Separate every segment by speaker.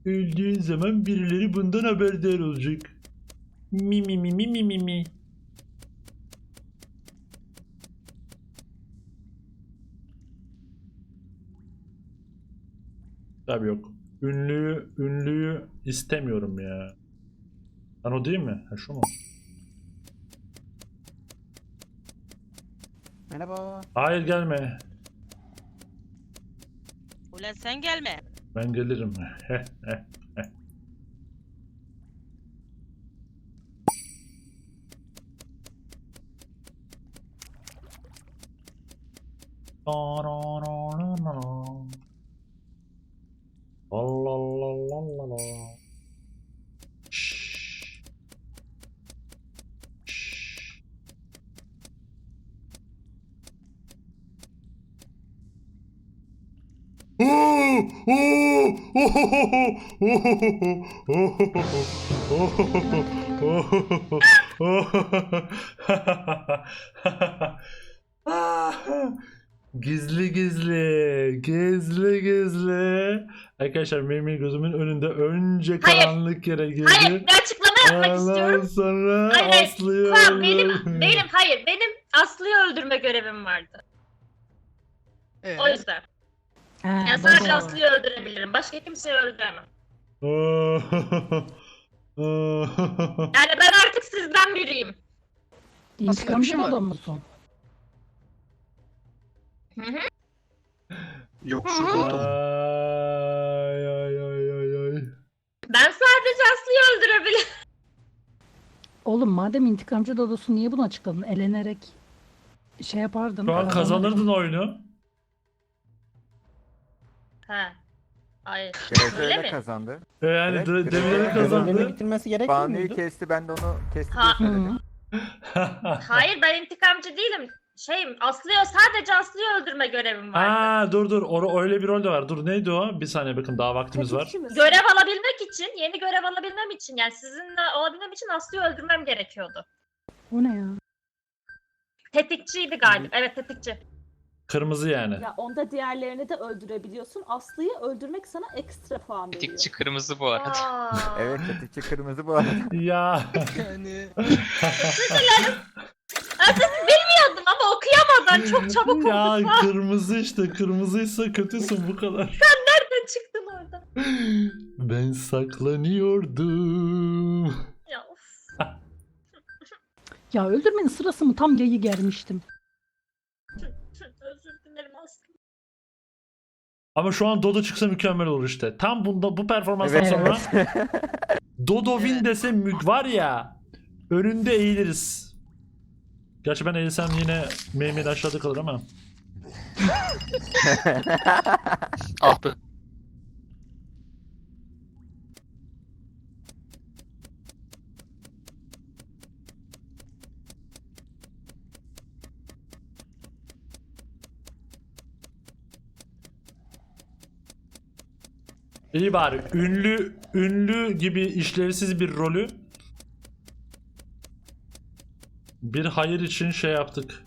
Speaker 1: Öldüğün zaman birileri bundan haberdar olacak. Mi mi mi mi mi mi mi. Tabii yok. Ünlüyü istemiyorum ya. Lan o değil mi? Ha şu mu?
Speaker 2: Merhaba.
Speaker 1: Hayır gelme.
Speaker 3: Ulan sen gelme.
Speaker 1: Ben gelirim. Heh, heh, heh. Allah Allah Allah Allah. Şşş. Şşş. Gizli gizli, gizli gizli. Arkadaşlar benim gözümün önünde önce karanlık yere girdi.
Speaker 4: Hayır, bir açıklama yapmak
Speaker 1: Ondan
Speaker 4: istiyorum.
Speaker 1: sonra
Speaker 4: Hayır,
Speaker 1: Aslı'yı
Speaker 4: Kaan,
Speaker 1: öldürdü.
Speaker 4: benim Aslı'yı öldürme görevim vardı. O yüzden. Yani sadece Aslı'yı öldürebilirim. Başka kimseyi öldüremem. Yani ben artık sizden biriyim.
Speaker 5: İntikamcı adam mısın?
Speaker 4: Hı hı.
Speaker 2: Yok
Speaker 4: Hı
Speaker 2: şu
Speaker 4: hı.
Speaker 2: buldum.
Speaker 1: Ay ay ay ay ay.
Speaker 4: Ben sadece Aslı'yı öldürebilirim.
Speaker 5: Oğlum madem intikamcı Dodo'su niye bunu açıkladın? Elenerek şey yapardın.
Speaker 1: Şu an kazanırdın oyunu.
Speaker 4: Ha. Hayır.
Speaker 6: Greze
Speaker 4: Öyle
Speaker 6: öyle
Speaker 4: mi?
Speaker 6: kazandı.
Speaker 1: Yani
Speaker 6: Evet,
Speaker 1: demirleri
Speaker 6: evet.
Speaker 1: kazandı.
Speaker 2: Görevlerini bitirmesi gerekmiyor
Speaker 6: Banu'yu
Speaker 2: muydu?
Speaker 6: kesti, ben de onu kesti
Speaker 4: Ha.
Speaker 6: diye söyledim.
Speaker 4: Hayır, ben intikamcı değilim. Sadece Aslı'yı öldürme görevim vardı.
Speaker 1: Aa dur öyle bir rol de var. Dur neydi o? Bir saniye bakın daha vaktimiz var.
Speaker 4: Görev alabilmek için, yeni görev alabilmem için, yani sizinle olabilmem için Aslı'yı öldürmem gerekiyordu.
Speaker 5: O ne ya?
Speaker 4: Tetikçiydi galiba. Evet, tetikçi.
Speaker 1: Kırmızı yani.
Speaker 7: Ya onda diğerlerini de öldürebiliyorsun. Aslı'yı öldürmek sana ekstra puan veriyor.
Speaker 8: Tetikçi kırmızı bu arada.
Speaker 4: Aa.
Speaker 6: Evet, tetikçi kırmızı bu arada.
Speaker 1: Ya.
Speaker 8: Yani
Speaker 4: Bilmiyordum ama okuyamadan çok çabuk
Speaker 1: Ya
Speaker 4: oldu.
Speaker 1: kırmızı işte. Kırmızıysa kötüsün bu kadar.
Speaker 4: Nereden çıktın orada?
Speaker 1: Ben saklanıyordum.
Speaker 4: Ya of.
Speaker 5: Ya öldürmenin sırası mı? Tam yayı germiştim.
Speaker 4: Özür dilerim Aslı.
Speaker 1: Ama şu an Dodo çıksa mükemmel olur işte. Tam bu performanstan
Speaker 6: Evet.
Speaker 1: sonra Dodo win dese var ya önünde eğiliriz. Gerçi ben eğilsem yine Mehmet aşağıda kalır ama.
Speaker 8: ah be.
Speaker 1: İyi bari ünlü gibi işlevsiz bir rolü bir hayır için şey yaptık.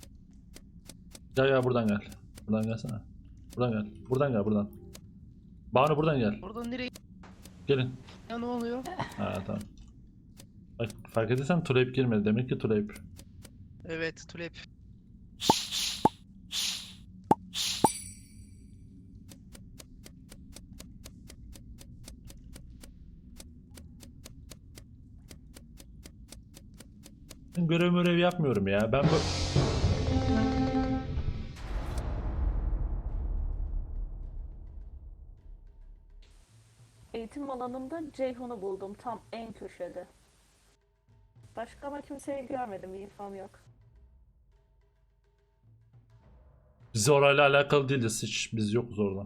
Speaker 1: Ya buradan gel. Buradan gelsene. Buradan gel. Buradan gel buradan. Banu buradan gel.
Speaker 8: Oradan nereye?
Speaker 1: Gelin.
Speaker 8: Ya ne oluyor?
Speaker 1: Ha tamam. Bak fark edilsen Tulip girmedi. Demek ki Tulip.
Speaker 8: Evet, tulip.
Speaker 1: Ben görev yapmıyorum ya. Ben bu...
Speaker 7: Eğitim alanında Ceyhun'u buldum tam en köşede. Başka ama kimseyi görmedim, infom yok.
Speaker 1: Biz orayla alakalı değiliz hiç. Biz yokuz orada.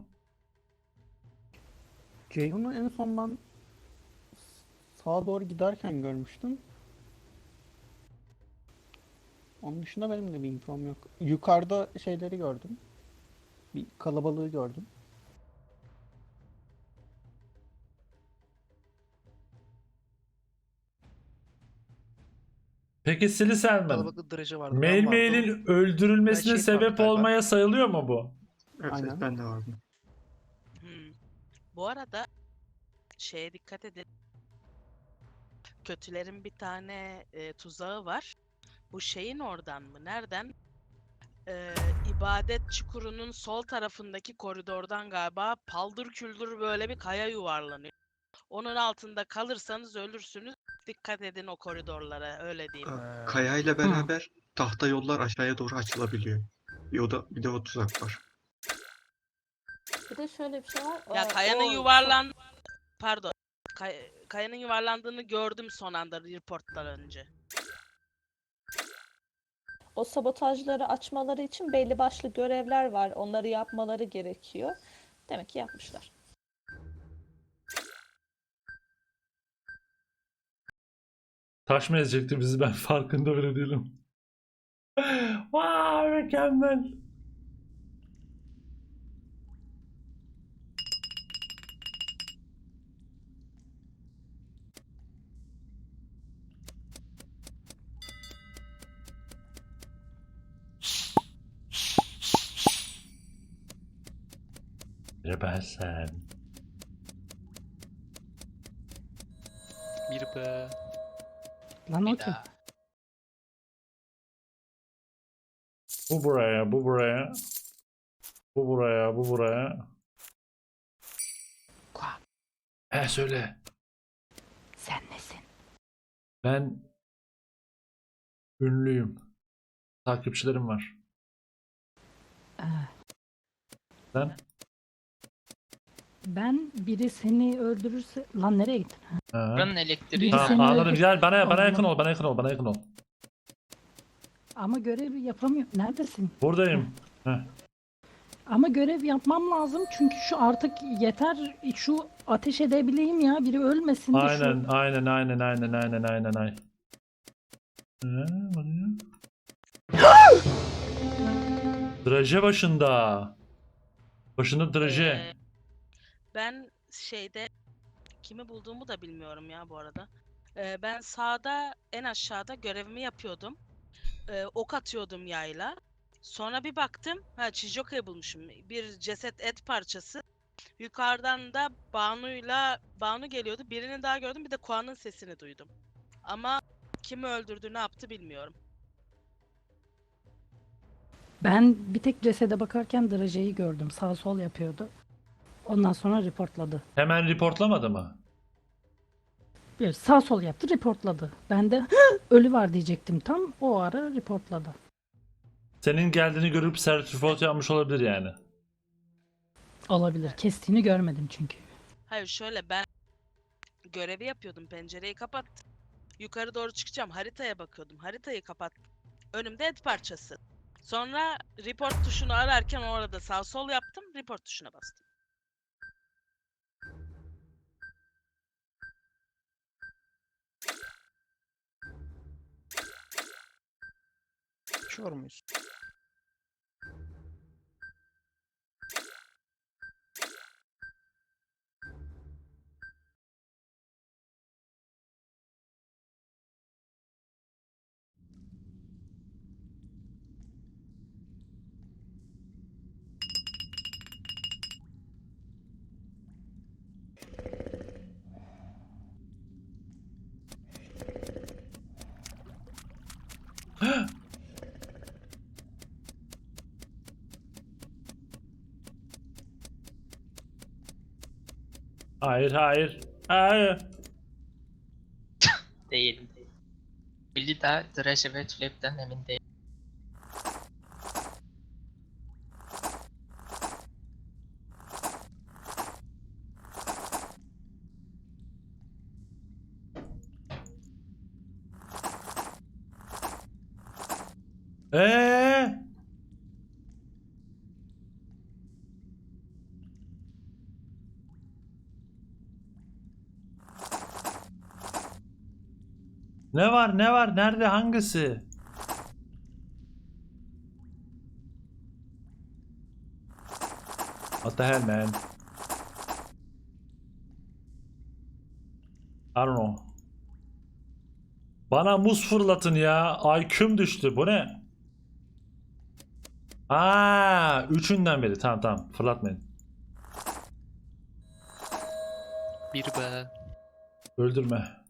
Speaker 2: Ceyhun'u en son ben sağa doğru giderken görmüştüm. Onun dışında benim de bir infom yok. Yukarıda şeyleri gördüm. Bir kalabalığı gördüm.
Speaker 1: Peki Silly Selman.
Speaker 8: Kalabalık derece vardı.
Speaker 1: Mail'in öldürülmesine
Speaker 8: Ben şehit
Speaker 1: sebep
Speaker 8: vardı galiba.
Speaker 1: olmaya sayılıyor mu bu?
Speaker 2: Aynen.
Speaker 3: Bu arada şeye dikkat edin. Kötülerin bir tane tuzağı var. Bu şeyin oradan mı? Nereden? İbadet çukurunun sol tarafındaki koridordan galiba paldır küldür böyle bir kaya yuvarlanıyor. Onun altında kalırsanız ölürsünüz. Dikkat edin o koridorlara, öyle diyeyim.
Speaker 9: Kaya ile beraber tahta yollar aşağıya doğru açılabiliyor. Bir de o tuzak var.
Speaker 7: Bir de şöyle bir şey var.
Speaker 3: Ya kayanın pardon. Kayanın yuvarlandığını gördüm son anda reporttan önce.
Speaker 7: O sabotajları açmaları için belli başlı görevler var. Onları yapmaları gerekiyor. Demek ki yapmışlar.
Speaker 1: Taş mı ezecekti bizi, ben farkında bile değilim. Vay mükemmel. Ben.
Speaker 8: Bir be.
Speaker 5: Lan o
Speaker 8: Bir
Speaker 5: kim?
Speaker 8: daha.
Speaker 1: Bu buraya, bu buraya. Bu buraya, bu buraya.
Speaker 5: Kuan,
Speaker 1: Söyle.
Speaker 5: sen nesin?
Speaker 1: Ben ünlüyüm. Takipçilerim var.
Speaker 5: Ee,
Speaker 1: Sen?
Speaker 5: ben biri seni öldürürse... Lan nereye gittin?
Speaker 1: Ha.
Speaker 8: Buranın elektriği.
Speaker 1: Tamam,
Speaker 5: Seni
Speaker 1: anladım.
Speaker 5: öldür-
Speaker 1: Gel bana
Speaker 5: Olmaz.
Speaker 1: yakın ol, bana yakın ol, bana yakın ol.
Speaker 5: Ama görevi yapamıyorum. Neredesin?
Speaker 1: Buradayım. Heh.
Speaker 5: Ama görev yapmam lazım çünkü şu artık yeter, şu ateş edebileyim ya, biri ölmesin de şu.
Speaker 1: Aynen. Bakıyor. Draje başında. Başında draje.
Speaker 3: Ben şeyde kimi bulduğumu da bilmiyorum ya bu arada. Ben sağda en aşağıda görevimi yapıyordum. Ok atıyordum yayla. Sonra bir baktım, Chijoka'yı bulmuşum. Bir ceset et parçası. Yukarıdan da Banu geliyordu. Birini daha gördüm, bir de Kuan'ın sesini duydum. Ama kimi öldürdü, ne yaptı bilmiyorum.
Speaker 5: Ben bir tek cesede bakarken Draje'yi gördüm. Sağ sol yapıyordu. Ondan sonra reportladı.
Speaker 1: Hemen reportlamadı mı?
Speaker 5: Bir sağ sol yaptı, reportladı. Ben de ölü var diyecektim tam. O ara reportladı.
Speaker 1: Senin geldiğini görüp sertifot yapmış olabilir yani.
Speaker 5: Olabilir. Kestiğini görmedim çünkü.
Speaker 3: Hayır, şöyle, ben görevi yapıyordum, pencereyi kapattım. Yukarı doğru çıkacağım, haritaya bakıyordum. Haritayı kapattım. Önümde et parçası. Sonra report tuşunu ararken orada sağ sol yaptım, report tuşuna bastım.
Speaker 2: Uçuyor muyuz?
Speaker 1: Hayır.
Speaker 10: Değil. Billy de Thresh ve Tulip'ten emin değil.
Speaker 1: Ne var? Nerede? Hangisi? What the hell man? I don't know. Bana muz fırlatın ya. IQ'm düştü. Bu ne? Üçünden beri. Tamam. Fırlatmayın.
Speaker 8: Bir be.
Speaker 1: Öldürme.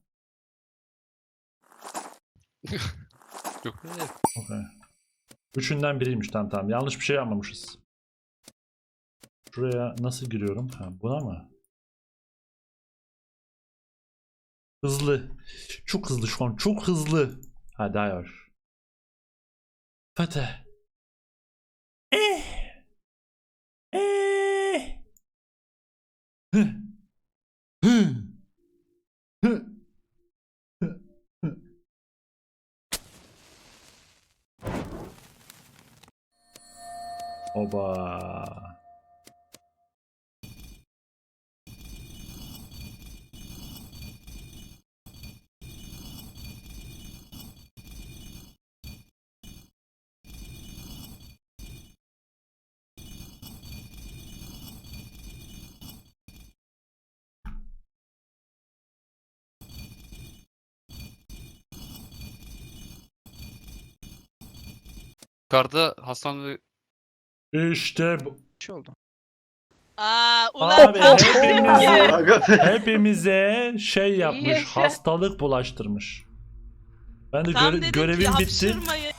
Speaker 8: Yok be.
Speaker 1: Okay. Üçünden biriymiş, tamam. Yanlış bir şey yapmamışız. Şuraya nasıl giriyorum? Ha, buna mı? Hızlı. Çok hızlı şu an. Çok hızlı. Hadi hayır. Fatih. Hı. Hı. Hı. Hı. Oba.
Speaker 8: Yukarıda Hasan ve
Speaker 1: İşte bu.
Speaker 8: bir şey oldu.
Speaker 3: Ulan
Speaker 1: Abi
Speaker 3: tam
Speaker 1: hepimize şey yapmış,
Speaker 5: Yaşa.
Speaker 1: hastalık bulaştırmış. Ben de
Speaker 3: tam dedim ki
Speaker 1: görevim bitti.
Speaker 3: hapşırmayın.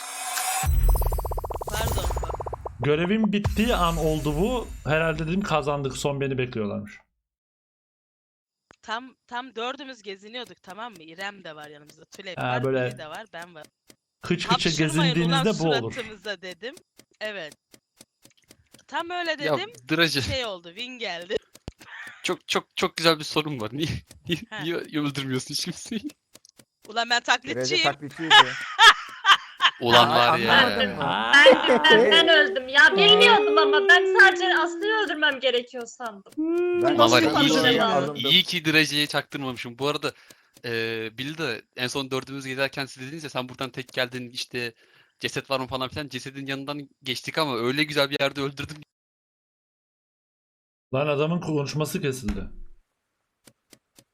Speaker 3: Pardon.
Speaker 1: Görevim bittiği an oldu bu. Herhalde dedim kazandık. Son beni bekliyorlarmış.
Speaker 3: Tam dördümüz geziniyorduk, tamam mı? İrem de var yanımızda. Tülep
Speaker 1: Ha,
Speaker 3: var,
Speaker 1: böyle
Speaker 3: Biri de var, ben var.
Speaker 1: Kıç kıça
Speaker 3: Hapşırmayın ulan
Speaker 1: gezindiğinizde bu olur.
Speaker 3: suratımıza dedim. Evet. Tam öyle
Speaker 8: Ya
Speaker 3: dedim.
Speaker 8: Dracı,
Speaker 3: Şey oldu, Win geldi.
Speaker 8: çok güzel bir sorun var.
Speaker 3: Ha.
Speaker 8: Niye öldürmüyorsun hiç kimseyi?
Speaker 3: Ulan ben
Speaker 6: Derece
Speaker 3: taklitçiyim.
Speaker 6: taklitçiydi.
Speaker 8: Ulan var
Speaker 6: Anlamadım.
Speaker 8: ya.
Speaker 1: Aa,
Speaker 4: Ben öldüm ya. Bilmiyordum ama ben sadece Aslı'yı öldürmem gerekiyor sandım.
Speaker 6: Ben
Speaker 8: Ama var
Speaker 4: Nasıl
Speaker 8: ya,
Speaker 4: yapacağım?
Speaker 6: alındım.
Speaker 8: iyi ki Dracı'ya çaktırmamışım. Bu arada Bill de en son dördümüz gezerken siz dediniz ya sen buradan tek geldin işte ceset var mı falan filan. Cesedin yanından geçtik ama öyle güzel bir yerde öldürdüm.
Speaker 1: Lan adamın konuşması kesildi.